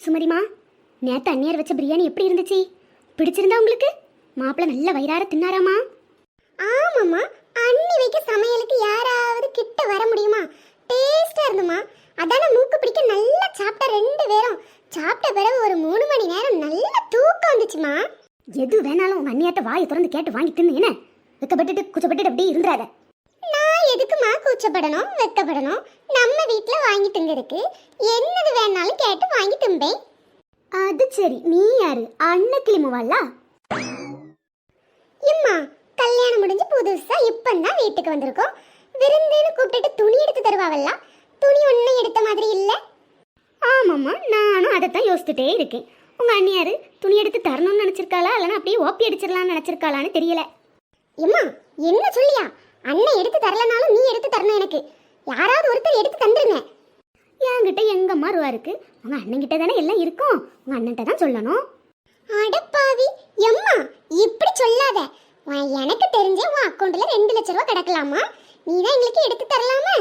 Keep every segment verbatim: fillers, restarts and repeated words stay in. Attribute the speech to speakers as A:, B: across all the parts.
A: சுமதிமா, நேற்று அந்நியார் வச்ச பிரியாணி எப்படி இருந்துச்சு? பிடிச்சிருந்தா உங்களுக்கு? மாப்பிள்ளை நல்ல வயிறார தின்னாராமா?
B: ஆமாம்மா, அண்ணி வைக்க சமையலுக்கு யாராவது கிட்ட வர முடியுமா? டேஸ்டா இருந்துமா. அதான மூக்கு பிடிக்க நல்லா சாப்பிட்ட ரெண்டு பேரும். சாப்பிட்ட பிறகு ஒரு மூணு மணி நேரம் நல்ல தூக்கம் வந்துச்சுமா.
A: எது வேணாலும் உங்க அண்ணியாட்ட வாயை திறந்து கேட்டு வாங்கி தின்னு. என்ன வெக்கப்பட்டுட்டு குச்சப்பட்டுட்டு அப்படியே இருந்துறாத.
B: நான் எதுக்குமா கூச்சப்படணும் வெக்கப்படணும்? நம்ம வீட்ல வாங்கி திங்கிறதுக்கு என்னது வேணாலும் கேட்டு வாங்கி திம்பேன்.
A: அது சரி, நீ யாரு? அன்னைக்கிளி மூவாளா?
B: இம்மா, கல்யாணம் முடிஞ்சு புதுசா இப்பந்தான் வீட்டுக்கு வந்திருக்கோம். விருந்துன்னு கூப்பிட்டுட்டு துணி எடுத்து தருவாவல்ல, துணி ஒன்னும் எடுத்த மாதிரி இல்ல.
A: ஆமாம்மா, நானும் அதைத்தான் யோசிச்சுட்டே இருக்கேன். உங்க அண்ணியாரு துணி எடுத்து தரணும்னு நினைச்சிருக்காளா இல்லைன்னா அப்படியே ஓப்பி அடிச்சிடலாம்னு நினைச்சிருக்காளான்னு தெரியல.
B: இம்மா, என்ன சொல்லியா? அண்ணன் எடுத்து தரலனாலும் நீ எடுத்து தரணும் எனக்கு. யாராவது ஒருத்தர் எடுத்து தந்துருங்க.
A: என்கிட்ட எங்கம்மா ரூபா இருக்கு? உங்க அண்ணன் கிட்ட தானே எல்லாம் இருக்கும். உங்க அண்ணன்ட்ட தான் சொல்லணும்.
B: அடப்பாவி எம்மா, இப்படி சொல்லாத. உன் எனக்கு தெரிஞ்சே உன் அக்கௌண்ட்ல ரெண்டு லட்சம் ரூபாய் கிடக்கலாமா? நீ தான் எங்களுக்கு எடுத்து தரலாமா?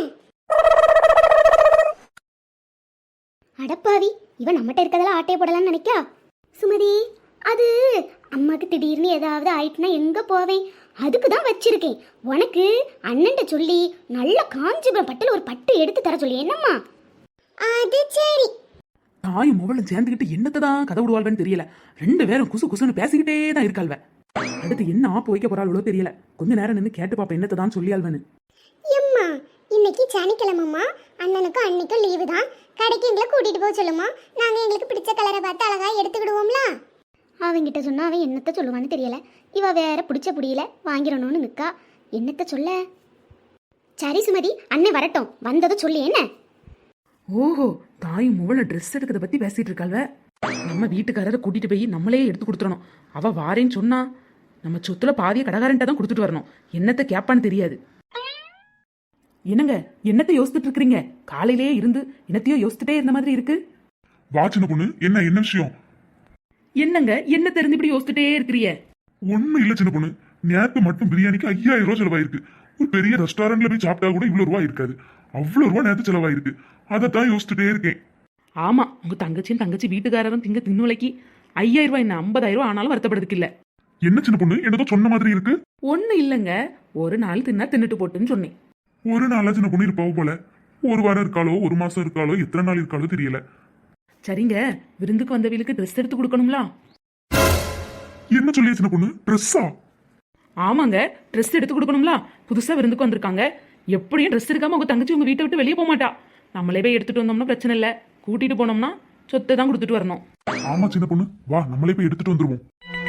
A: அடப்பாவி, இவன் நம்மகிட்ட இருக்கதெல்லாம் ஆட்டையை போடலாம்னு நினைக்கா? சுமதி, அது அம்மாக்கு திடீர்னு ஏதாவது ஆயிட்டுனா எங்க போவேன்? அதுக்கு தான் வச்சிருக்கேன். உனக்கு அண்ணன்ட்ட சொல்லி நல்ல காஞ்சிபுரம் பட்டுல ஒரு பட்டு எடுத்து தர சொல்லி. என்னம்மா?
B: அது சரி.
C: தாயும் மொபைலும் சேர்ந்துக்கிட்டு என்னத்தை தான் கதை விடுவாள்வன்னு தெரியல. ரெண்டு பேரும் குசு குசுன்னு பேசிக்கிட்டே தான் இருக்காள்வ. அடுத்து என்ன ஆப்பு வைக்க போறாளோ தெரியல. கொஞ்ச நேரம் நின்று கேட்டு பாப்பா என்னத்தை தான் சொல்லியாள்வன்னு.
B: எம்மா, இன்னைக்கு சனிக்கிழமைம்மா. அண்ணனுக்கும் அன்னைக்கும் லீவு தான். கடைக்கு எங்களை கூட்டிட்டு போக சொல்லுமா. நாங்க எங்களுக்கு பிடிச்ச கலரை பார்த்து அழகா எடுத்துக்கிடுவோம்ல.
A: அவங்கிட்ட சொன்னா அவன் என்னத்த சொல்லுவான்னு தெரியல. இவ வேற பிடிச்ச புடியல வாங்கிடணும்னு நிக்கா. என்னத்த சொல்ல? சரி சுமதி, அண்ணன் வரட்டும், வந்ததும் சொல்லி. என்ன?
C: ஓஹோ, தாயும் மொபைல ட்ரெஸ் எடுக்கிறத பத்தி பேசிட்டு இருக்காள்வ. நம்ம வீட்டுக்காரரை கூட்டிட்டு போய் நம்மளே எடுத்து கொடுத்துடணும். அவ வாரேன்னு சொன்னா நம்ம சொத்துல பாதிய கடைக்காரன்ட்ட தான் கொடுத்துட்டு வரணும். என்னத்தை கேப்பான்னு தெரியாது. என்னங்க, என்னத்தை யோசிச்சுட்டு இருக்கிறீங்க? காலையிலேயே இருந்து என்னத்தையோ யோசிச்சுட்டே இருந்த மாதிரி இருக்கு.
D: வா சின்ன பொண்ணு, என்ன என்ன விஷயம்?
C: என்னங்க, என்ன தெரிஞ்சு இப்படி யோசிச்சுட்டே இருக்கிறீங்க?
D: ஒண்ணும் இல்ல சின்ன பொண்ணு, நேத்து மட்டும் பிரியாணிக்கு ஐயாயிரம் ரூபாய் செலவாயிருக்கு. ஒரு பெரிய ரெஸ்டாரண்ட்ல போய் சாப்பிட்டா கூட இவ்வளவு ரூபாய் இருக்காது. அவ்வளவு ரூபாய் நேத்து செலவாயிருக்கு. அதைத்தான் யோசிச்சுட்டே இருக்கேன்.
C: ஆமா, உங்க தங்கச்சியும் தங்கச்சி வீட்டுக்காரரும் திங்க தின்னுலைக்கு ஐயாயிரம் ரூபாய் என்ன ஐம்பதாயிரம் ரூபாய் ஆனாலும் வருத்தப்படுறதுக்கு இல்ல.
D: என்ன சின்ன பொண்ணு, என்னதோ சொன்ன மாதிரி இருக்கு.
C: ஒண்ணு இல்லங்க, ஒரு நாள் தின்னா தின்னுட்டு போட்டுன்னு சொன்னேன்.
D: ஒரு நாளா சின்ன பொண்ணு இருப்பாவோ போல. ஒரு வாரம் இருக்காளோ, ஒரு மாசம் இருக்காளோ, எத்தனை நாள் இருக்காளோ தெரியல.
C: சரிங்க, விருந்துக்கு வந்தவங்களுக்கு ட்ரெஸ் எடுத்து கொடுக்கணும்ல.
D: என்ன சொல்லிய சின்ன பொண்ணு? ட்ரெஸ்ஸா?
C: ஆமாங்க, ட்ரெஸ் எடுத்து கொடுக்கணும்ல. புதுசா விருந்துக்கு வந்திருக்காங்க. எப்படியும் ட்ரெஸ் இருக்காம உங்க தங்கச்சி உங்க வீட்டை விட்டு வெளியே போக மாட்டா. நம்மளே போய் எடுத்துட்டு வந்தோம்னா பிரச்சனை இல்ல. கூட்டிட்டு போனோம்னா சொத்தை தான் கொடுத்துட்டு வரணும்.
D: ஆமா சின்ன பொண்ணு, வா நம்மளே போய் எடுத்துட்டு வந்துருவோம்.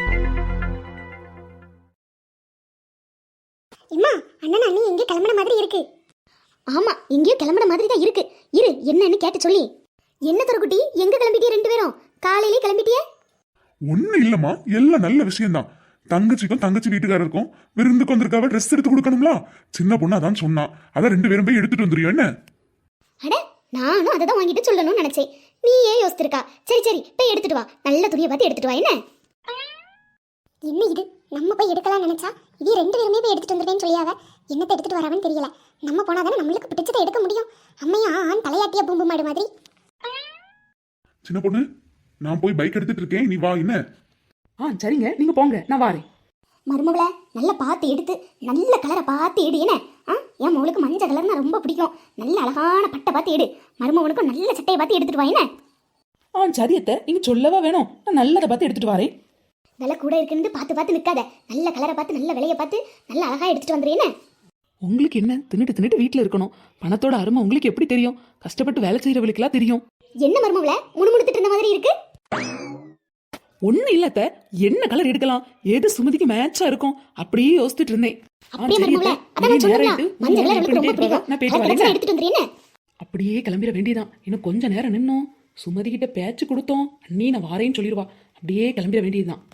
B: இம்மா, அண்ணன் அண்ணி எங்க கிளம்புன மாதிரி இருக்கு.
A: ஆமா, எங்கேயோ கிளம்புற மாதிரி தான் இருக்கு. இரு, என்னன்னு கேட்டு சொல்லி. என்ன தரக்குட்டி, எங்க கிளம்பிட்டிய ரெண்டு பேரும்? காலையிலே கிளம்பிட்டிய?
D: ஒண்ணு இல்லம்மா, எல்லாம் நல்ல விஷயம்தான். தங்கச்சிக்கும் தங்கச்சி வீட்டுக்காரருக்கும் விருந்துக்கு வந்திருக்காவ ட்ரெஸ் எடுத்து கொடுக்கணும்ல. சின்ன பொண்ணு அதான் சொன்னா. அதான் ரெண்டு பேரும் போய் எடுத்துட்டு வந்துருவோம். என்ன?
A: அட, நானும் அதை தான் வாங்கிட்டு சொல்லணும்னு நினைச்சேன். நீ ஏன் யோசிச்சிருக்கா? சரி சரி, போய் எடுத்துட்டு வா. நல்ல துணியை பார்த்து எடுத்துட்டு வா. என்ன
B: என்ன இது? நம்ம போய் எடுக்கலாம் நினைச்சா இது ரெண்டு பேருமே போய் எடுத்துட்டு வந்துருவேன்னு சொல்லியாவ. என்னத்தை எடுத்துட்டு வராவன்னு தெரியல. நம்ம போனாதானே நம்மளுக்கு பிடிச்சதை எடுக்க முடியும். அம்மையா ஆண் தலையாட்டிய பூம்பு மாடு மாதிரி.
D: சின்ன பொண்ணு, நான் போய் பைக் எடுத்துட்டு இருக்கேன், நீ வா. என்ன?
C: ஆ சரிங்க, நீங்க போங்க, நான் வாரேன்.
A: மருமகளை நல்லா பார்த்து எடுத்து நல்ல கலரை பார்த்து எடு. என்ன? ஆ, என் மகளுக்கு மஞ்சள் கலர்னா ரொம்ப பிடிக்கும். நல்ல அழகான பட்டை பார்த்து எடு. மருமகனுக்கும் நல்ல சட்டையை பார்த்து எடுத்துட்டு வா. என்ன?
C: ஆ சரியத்த, நீங்க சொல்லவா வேணும். நான் நல்லதை பார்த்து எடுத்துட்டு வரேன்.
A: விலை கூட இருக்குன்னு பார்த்து பார்த்து நிற்காத. நல்ல கலரை பார்த்து நல்ல விலையை பார்த்து நல்ல அழகா எடுத்துட்டு வந்துரு. என்ன?
C: உங்களுக்கு என்ன, தின்னுட்டு தின்னுட்டு வீட்டில் இருக்கணும். பணத்தோட அருமை உங்களுக்கு எப்படி தெரியும்? கஷ்டப்பட்டு வேலை செய்யறவங்களுக்குலாம் தெரியும்.
A: என்ன மருமகளை முணுமுணுத்துட்டு இருந்த மாதிரி இருக்கு?
C: ஒண்ணு இல்லத்த, என்ன கலர் எடுக்கலாம், ஏது சுமதிக்கு மேட்சா இருக்கும் அப்படியே யோசிச்சுட்டு இருந்தேன்.
A: அப்படியே மருமகளை, அதான் சொன்னீங்களா, மஞ்சள் கலர் எனக்கு ரொம்ப பிடிக்கும். கலர் எடுத்துட்டு வந்துரு. என்ன?
C: அப்படியே கிளம்பிட வேண்டியதான். இன்னும் கொஞ்ச நேரம் நின்னோம், சுமதி கிட்ட பேச்சு கொடுத்தோம், அண்ணி நான் வாரேன்னு சொல்லிடுவா. அப்படியே கிளம்பிட வேண்டியதுதான்.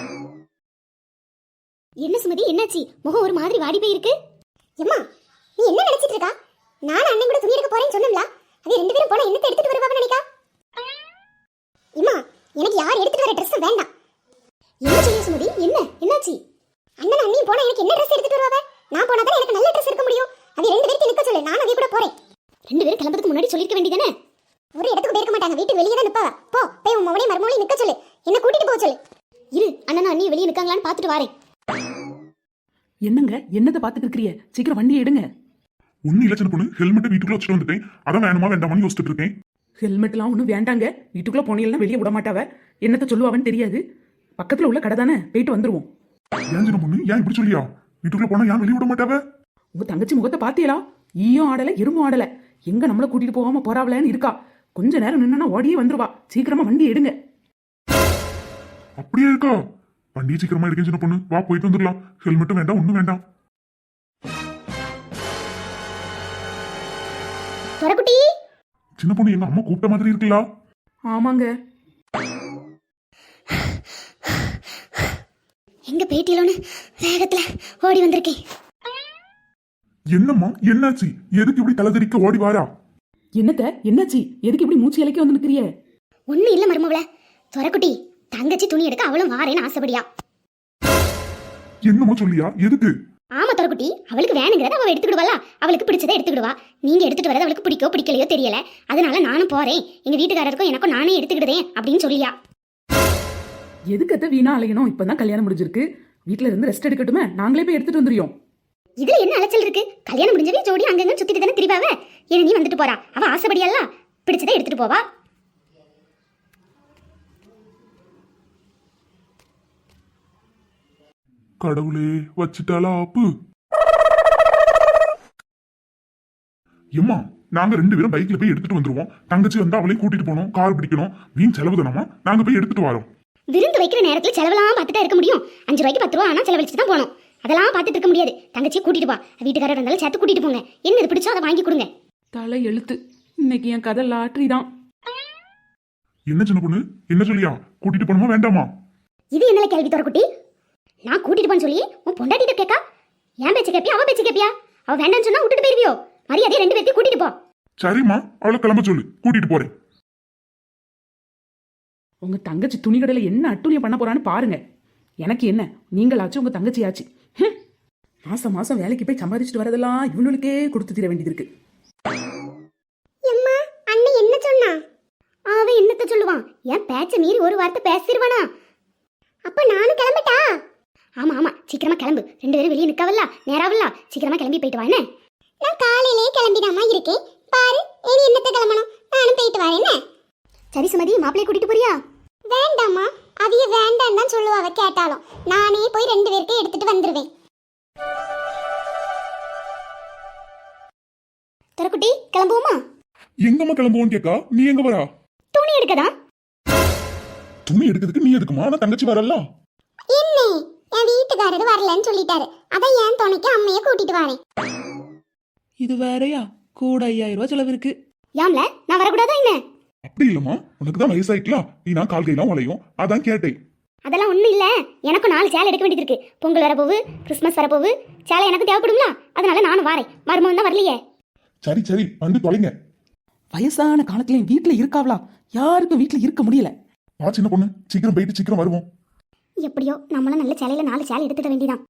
A: என்ன சுமதி, என்னாச்சு? முகம் ஒரு மாதிரி வாடி போயிருக்கு.
B: எம்மா, நீ என்ன நினைச்சிட்டு இருக்கா? நான் அண்ணன் கூட துணி எடுக்க போறேன்னு சொன்னோம்ல. அது ரெண்டு பேரும் போனா என்னத்தை எடுத்துட்டு வருவாங்கன்னு நினைக்கா? இம்மா, எனக்கு யார் எடுத்துட்டு வர ட்ரெஸ் வேண்டாம்.
A: என்ன செய்ய சுமதி? என்ன என்னாச்சு?
B: அண்ணன் அண்ணியும் போனா எனக்கு என்ன ட்ரெஸ் எடுத்துட்டு வருவாங்க? நான் போனா தான் எனக்கு நல்ல ட்ரெஸ் எடுக்க முடியும். அது ரெண்டு பேருக்கு நிக்க சொல்லு, நான் அதே கூட போறேன்.
A: ரெண்டு பேரும் கிளம்புறதுக்கு முன்னாடி சொல்லிருக்க வேண்டியதானே?
B: ஒரு இடத்துக்கு போயிருக்க மாட்டாங்க, வீட்டுக்கு வெளியே தான் நிப்பாவ. போ போய் உன் மவனே மருமவளையும் நிக்க சொல்லு, என்ன கூட்டிட்டு போக சொல்லு.
A: இரு அண்ணனும் அண்ணி வெளியே நிற்காங்களான்னு பார்த்துட்டு வாரேன்.
C: என்னங்க என்னத்தை பார்த்துட்டு இருக்கிறிய? சீக்கிரம் வண்டியை எடுங்க.
D: ஒன்னும் இல்ல சின்ன பொண்ணு, ஹெல்மெட்டை வீட்டுக்குள்ள வச்சுட்டு வந்துட்டேன். அதான் வேணுமா வேண்டாமான்னு யோசிச்சுட்டு இருக்கேன்.
C: ஹெல்மெட்லாம் ஒன்றும் வேண்டாங்க. வீட்டுக்குள்ள போனீங்கன்னா வெளியே விட மாட்டாவ. என்னத்த சொல்லுவாவன்னு தெரியாது. பக்கத்துல உள்ள கடை தானே, போயிட்டு வந்துருவோம்.
D: ஏன் சின்ன பொண்ணு, ஏன் இப்படி சொல்லியா? வீட்டுக்குள்ள போனா ஏன் வெளியே விட மாட்டாவ?
C: உங்க தங்கச்சி முகத்தை பாத்தியலா? ஈயும் ஆடல எறும்பும் ஆடல. எங்க நம்மள கூட்டிட்டு போகாம போறாவலன்னு இருக்கா. கொஞ்ச நேரம் நின்னா ஓடியே வந்துருவா. சீக்கிரமா வண்டி எடுங்க.
D: அப்படியே இருக்கா? வண்டியை சீக்கிரமா எடுக்க சின்ன பொண்ணு, வா போயிட்டு வந்துடலாம். ஹெல்மெட்டும் வேண்டாம், ஒண்ணும் வேண்டாம்.
A: துறக்குட்டி,
D: சின்ன பொண்ணு, எங்க அம்மா கூப்பிட்ட மாதிரி இருக்குல்ல?
C: ஆமாங்க.
A: எங்க பேட்டியிலோன்னு வேகத்துல ஓடி வந்திருக்கேன்.
D: என்னம்மா என்னாச்சு? எதுக்கு இப்படி தலைதறிக்க ஓடி வாரா?
C: என்னத்த என்னாச்சு? எதுக்கு இப்படி மூச்சு இலைக்க வந்து நிக்கிறிய?
A: ஒன்னும் இல்ல மருமவள, துறக்குட்டி தங்கச்சி துணி எடுக்க அவளும் வாரேன்னு ஆசைப்படியா.
D: என்னம்மா சொல்லியா? எதுக்கு?
A: ஆமா துறக்குட்டி, அவளுக்கு வேணுங்கிறத அவ எடுத்துக்கிடுவாளா, அவளுக்கு பிடிச்சதை எடுத்துக்கிடுவா. நீங்க எடுத்துட்டு வரது அவளுக்கு பிடிக்கோ பிடிக்கலையோ தெரியல, அதனால நானும் போறேன், எங்க வீட்டுக்காரருக்கும் எனக்கும் நானே எடுத்துக்கிடுதேன் அப்படின்னு சொல்லியா.
C: எதுக்கத்த வீணா அலையணும்? இப்பதான் கல்யாணம் முடிஞ்சிருக்கு. வீட்டுல இருந்து ரெஸ்ட் எடுக்கட்டுமே, நாங்களே போய் எடுத்துட்டு வந்துருவோம்.
A: இதுல என்ன அலைச்சல் இருக்கு? கல்யாணம் முடிஞ்சவே ஜோடி அங்கங்க சுத்திட்டு தானே திரிவாவ. ஏன் நீ வந்துட்டு போறா, அவ ஆசைப்படியல்ல, பிடிச்சதை எடுத்துட்டு போவா.
D: கடவுளே, வச்சுட்டாளா ஆப்பு? எம்மா, நாங்க ரெண்டு பேரும் பைக்ல போய் எடுத்துட்டு வந்துருவோம். தங்கச்சி வந்து அவளையும் கூட்டிட்டு போனோம், கார் பிடிக்கணும், வீண் செலவு தானமா. நாங்க போய் எடுத்துட்டு வரோம்.
A: விருந்து வைக்கிற நேரத்துல செலவெல்லாம் பார்த்துட்டா இருக்க முடியும்? அஞ்சு ரூபாய்க்கு பத்து ரூபா ஆனா செலவழிச்சு தான் போனோம். அதெல்லாம் பார்த்துட்டு இருக்க முடியாது. தங்கச்சியை கூட்டிட்டு வா, வீட்டுக்காரர் இருந்தாலும் சேர்த்து கூட்டிட்டு போங்க. என்ன இது பிடிச்சோ அதை வாங்கி கொடுங்க.
C: தலை எழுத்து. இன்னைக்கு என் கதை லாட்ரி தான்.
D: என்ன சின்ன பொண்ணு, என்ன சொல்லியா? கூட்டிட்டு போணுமா வேண்டாமா?
A: இது என்னல கேள்வி துறக்குட்டி? நான் கூட்டிட்டு போன்னு சொல்லி உன் பொண்டாட்டிட்ட கேட்கா? என் பேச்சு கேப்பியா அவ பேச்சு கேப்பியா? அவ வேண்டாம்னு சொன்னா விட்டுட்டு போயிருவியோ? மரியாதையா ரெண்டு பேர்த்தையும் கூட்டிட்டு போ.
D: சரிம்மா, அவளை கிளம்ப சொல்லு, கூட்டிட்டு போறேன்.
C: உங்க தங்கச்சி துணி கடையில என்ன அட்டூழியம் பண்ண போறான்னு பாருங்க. எனக்கு என்ன, நீங்களாச்சும் உங்க தங்கச்சியாச்சு. ஹம். மாசம் மாசம் வேலைக்கு போய் சம்பாதிச்சுட்டு வரதெல்லாம் இவனுக்கே கொடுத்து தீர வேண்டியது இருக்கு.
B: எம்மா, அண்ணன் என்ன சொன்னா?
A: அவன் என்னத்த சொல்லுவான்? என் பேச்ச மீறி ஒரு வார்த்தை பேசிடுவானா?
B: அப்ப நானும் கிளம்பட்டா?
A: ஆமா ஆமா, சீக்கிரமா கிளம்பு. ரெண்டு பேரும் வெளியே நிக்கவல்ல, நேராவல்ல, சீக்கிரமா கிளம்பி போயிட்டு வா. என்ன?
B: நான் காலையிலேயே கிளம்பிடாமா இருக்கேன். பாரு, இனி என்னத்த கிளம்பணும், நானும் போயிட்டு வரேன்.
A: சரி சுமதி, மாப்பிள்ளைய கூட்டிட்டு போறியா?
B: வேண்டாமா, அவிய வேண்டாம் தான் சொல்லுவாவ. கேட்டாலும் நானே போய் ரெண்டு பேருக்கு எடுத்துட்டு வந்துருவேன்.
A: துறக்குட்டி, கிளம்புவோமா?
D: எங்கம்மா கிளம்புவோன்னு கேக்கா, நீ எங்க வரா?
A: துணி எடுக்கதான்.
D: துணி எடுக்கிறதுக்கு நீ எதுக்குமா? நான் தங்கச்சி வரல.
B: என்ன, என் வீட்டுக்காரர் வரலன்னு சொல்லிட்டாரு. அதான் என் துணைக்கு அம்மைய கூட்டிட்டு வரேன்.
C: இது வேறயா? கூட ஐயாயிரம் ரூபாய் செலவு இருக்கு.
A: யாம்ல, நான் வரக்கூடாதா என்ன?
D: அப்படி இல்லம்மா, உனக்கு தான் வயசாயிக்கலாம், நீ நான் கால் கையெல்லாம் உழையும், அதான் கேட்டேன்.
A: அதெல்லாம் ஒண்ணும் இல்ல, எனக்கும் நாலு சேலை எடுக்க வேண்டியது இருக்கு. பொங்கல் வரப்போவு, கிறிஸ்மஸ் வரப்போவு, சேலை எனக்கு தேவைப்படும்ல, அதனால நானும் வரேன். மருமகன் தான் வரலையே.
D: சரி சரி, வந்து தொலைங்க.
C: வயசான காலத்துலயும் வீட்டுல இருக்காவளா? யாருக்கும் வீட்டுல இருக்க முடியல.
D: வா சின்ன பொண்ணு, சீக்கிரம் போயிட்டு சீக்கிரம் வருவோம்.
A: எப்படியோ நம்மளும் நல்ல சேலையில நாலு சேலை எடுத்துட வேண்டியதான்.